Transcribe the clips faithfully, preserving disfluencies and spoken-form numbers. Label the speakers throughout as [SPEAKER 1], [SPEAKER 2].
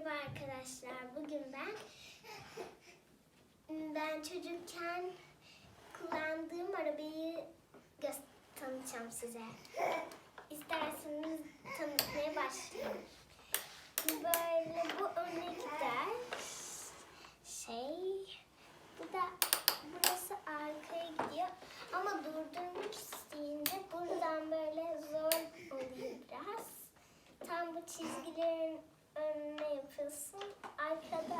[SPEAKER 1] Merhaba arkadaşlar. Bugün ben ben çocukken kullandığım arabayı gö- tanıtacağım size. İsterseniz tanıtmaya başlayayım. Böyle bu öne gider. Şey, bu da burası arkaya gidiyor. Ama durdurmak isteyince buradan böyle zor oluyor biraz. Tam bu çizgilerin önüne yapıyorsun. Arkada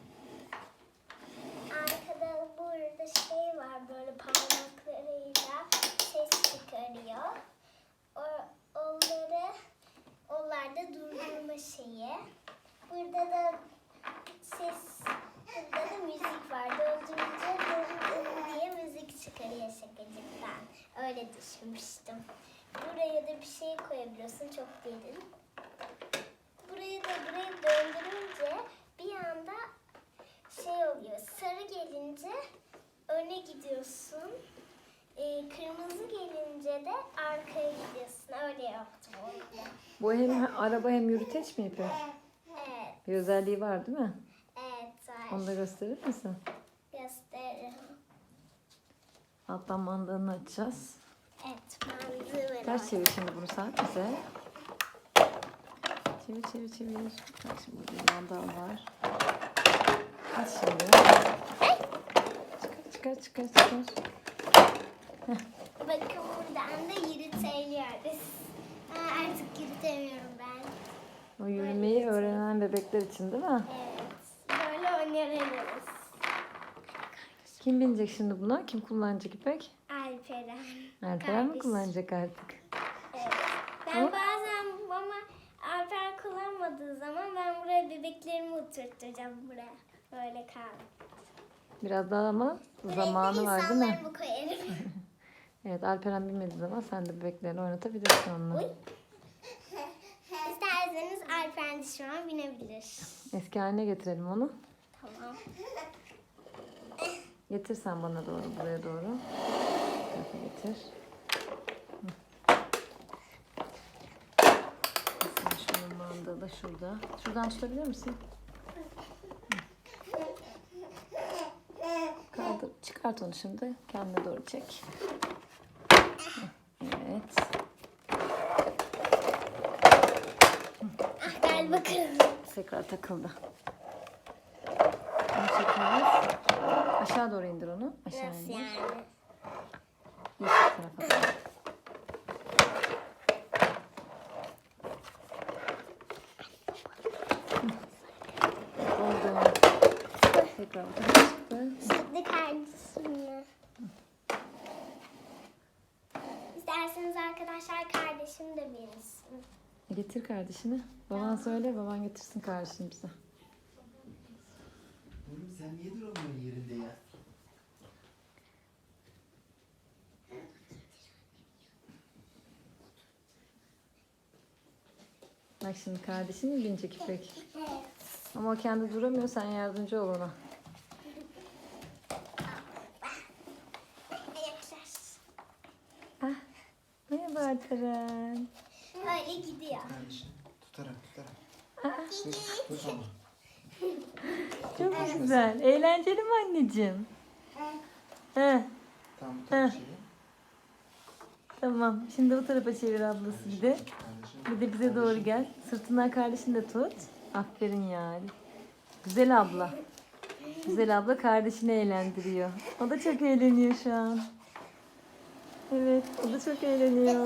[SPEAKER 1] arkada burada şey var, böyle parmaklarıyla ses çıkarıyor. O, onları onlarda durdurma şeyi. Burada da ses, burada da müzik var. Döndürünce döndürün diye müzik çıkarıyor şakacıktan. Öyle düşünmüştüm. Buraya da bir şey koyabiliyorsun, çok derin. Burayı da burayı döndürünce bir anda şey oluyor. Sarı gelince öne gidiyorsun. Ee, kırmızı gelince de arkaya gidiyorsun. Öyle yaptım onu.
[SPEAKER 2] Bu hem araba hem yürüteç mi yapıyor?
[SPEAKER 1] Evet.
[SPEAKER 2] Bir özelliği var değil mi?
[SPEAKER 1] Evet var.
[SPEAKER 2] Onu da gösterir misin?
[SPEAKER 1] Gösteririm.
[SPEAKER 2] Alttan mandalını açacağız.
[SPEAKER 1] Evet. Mantığı ver.
[SPEAKER 2] Ters çevir şimdi bunu sen bize. Çevir çevir çevir. Bak şimdi burada bir mandal var. Aç şimdi. Çıkar çıkar çıkar çıkar.
[SPEAKER 1] Bakın buradan da yürütebiliyoruz. Ha, artık yürütemiyorum ben.
[SPEAKER 2] O yürümeyi öğrenen bebekler için değil mi?
[SPEAKER 1] Evet. Böyle oynayabiliriz.
[SPEAKER 2] Kim binecek şimdi buna? Kim kullanacak İpek?
[SPEAKER 1] Alperen.
[SPEAKER 2] Alperen mi
[SPEAKER 1] Kardeş.
[SPEAKER 2] kullanacak artık?
[SPEAKER 1] Evet. Ben
[SPEAKER 2] Ama-
[SPEAKER 1] bazen ama Alperen kullanmadığı zaman ben buraya bebeklerimi oturtacağım buraya. Böyle kal.
[SPEAKER 2] Biraz daha ama zamanı
[SPEAKER 1] Buraya
[SPEAKER 2] var değil mi?
[SPEAKER 1] insanlarımı koyarım.
[SPEAKER 2] Evet, Alperen bilmediği zaman sen de bebeklerini oynatabilirsin onunla.
[SPEAKER 1] Uy. İsterseniz Alperen de şu an binebilir.
[SPEAKER 2] Eski haline getirelim onu.
[SPEAKER 1] Tamam.
[SPEAKER 2] Getir sen bana doğru, buraya doğru. Bu tarafa getir. Hı. Sen şunun mandalı şurada. Şuradan tutabilir misin? Hı. Kaldır, çıkart onu şimdi. Kendine doğru çek. Hı. Evet.
[SPEAKER 1] Ah, galiba kırıldı.
[SPEAKER 2] Tekrar takıldı. Bunu çekeriz. Aşağı doğru indir onu. Aşağı
[SPEAKER 1] Nasıl
[SPEAKER 2] indir.
[SPEAKER 1] yani?
[SPEAKER 2] Yeşil tarafa doğru. Oldu. Tekrar çıktı.
[SPEAKER 1] Şimdi kardeşimle. İsterseniz arkadaşlar kardeşim de binsin.
[SPEAKER 2] Getir kardeşini. Baban söyle, baban getirsin kardeşini bize.
[SPEAKER 3] Oğlum sen niye duramıyorsun yerinde ya?
[SPEAKER 2] Bak şimdi kardeşin mi binecek İpek?
[SPEAKER 1] Evet.
[SPEAKER 2] Ama o kendi duramıyor, sen yardımcı ol ona.
[SPEAKER 1] Ayaklar.
[SPEAKER 2] Ah, merhaba Alperen.
[SPEAKER 1] Öyle gidiyor.
[SPEAKER 3] Kardeşim tutarak tutarak.
[SPEAKER 2] Ah,
[SPEAKER 3] Tut, tut onu.
[SPEAKER 2] çok güzel. Eğlenceli mi anneciğim? He,
[SPEAKER 3] Tam bu tarafa çevir.
[SPEAKER 2] tamam. Şimdi o tarafa çevir ablası bir de.
[SPEAKER 3] Kardeşim.
[SPEAKER 2] Bir de bize doğru gel. Sırtından kardeşini de tut. Aferin yani. Güzel abla. Güzel abla kardeşini eğlendiriyor. O da çok eğleniyor şu an. Evet, o da çok eğleniyor.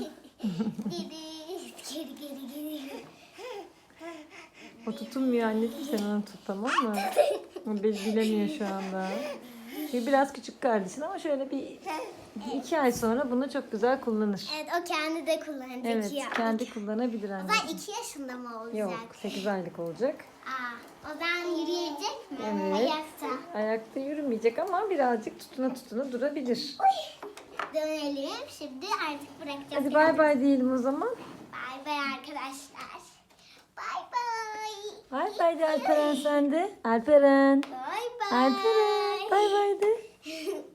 [SPEAKER 1] Geri, geri, geri, geri.
[SPEAKER 2] O tutunmuyor anneciğim, sen onu tut, tamam mı? O bil- bilemiyor şu anda. Çünkü biraz küçük kardeşin ama şöyle bir iki ay sonra bunu çok güzel kullanır.
[SPEAKER 1] Evet, o kendi de kullanacak
[SPEAKER 2] Evet,
[SPEAKER 1] ya.
[SPEAKER 2] kendi kullanabilir
[SPEAKER 1] O zaman
[SPEAKER 2] anneciğim.
[SPEAKER 1] iki yaşında mı olacak?
[SPEAKER 2] Yok, sekiz aylık olacak.
[SPEAKER 1] Aa, o zaman yürüyecek mi?
[SPEAKER 2] Evet.
[SPEAKER 1] Ayakta.
[SPEAKER 2] Ayakta yürümeyecek ama birazcık tutuna tutuna durabilir.
[SPEAKER 1] Dönelim. Şimdi artık bırakacağım.
[SPEAKER 2] Hadi bay bay diyelim o zaman.
[SPEAKER 1] Bay bay arkadaşlar. Bay bay.
[SPEAKER 2] Bay bay de Alperen sen de. Alperen.
[SPEAKER 1] Bay bay.
[SPEAKER 2] Alperen. Bay bay de.